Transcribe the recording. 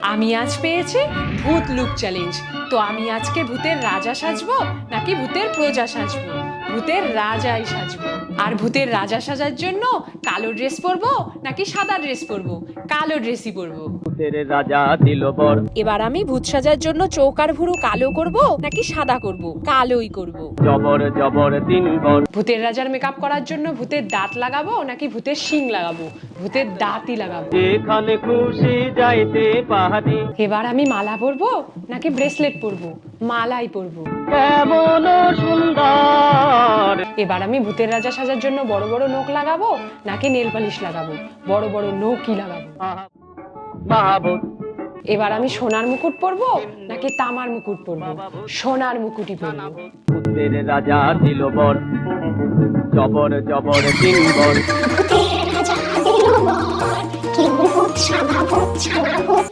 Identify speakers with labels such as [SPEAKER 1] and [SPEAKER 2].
[SPEAKER 1] আমি আজ পেয়েছি ভূত লুক চ্যালেঞ্জ। তো আমি আজকে ভূতের রাজা সাজবো নাকি ভূতের প্রজা সাজবো? ভূতের রাজাই সাজবো। আর ভূতের রাজা সাজার জন্য কালো ড্রেস পরবো নাকি সাদা ড্রেস পরবো? কালো ড্রেসই পরবো।
[SPEAKER 2] ভূতের রাজা দিল বর।
[SPEAKER 1] এবার আমি ভূত সাজার জন্য চোখ আর ভুরু কালো করব নাকি সাদা করব? কালোই করব।
[SPEAKER 2] জবর জবর তিন বর।
[SPEAKER 1] ভূতের রাজার মেকআপ করার জন্য ভূতের দাঁত লাগাবো নাকি ভূতের শিং লাগাবো? ভূতের দাঁতই লাগাবো।
[SPEAKER 2] যেখানে খুশি যাইতে পারি।
[SPEAKER 1] এবার আমি মালা পরবো নাকি ব্রেসলেট পরবো? মালাই পরবো।
[SPEAKER 2] কেমন সুন্দর।
[SPEAKER 1] এবার আমি ভূতের রাজা সাজার জন্য বড় বড় নখ লাগাবো নাকি নেল পালিশ লাগাবো? বড় বড় নখই লাগাবো।
[SPEAKER 2] মাহবুব।
[SPEAKER 1] এবার আমি সোনার মুকুট পরবো নাকি তামার মুকুট পরবো? সোনার মুকুটই পরবো।
[SPEAKER 2] ভূতের রাজা দিল বর। জবর জবর তিন বর।
[SPEAKER 3] ভূতের রাজা দিল বর, কি ভূত সাদা ভূত সাদা ভূত।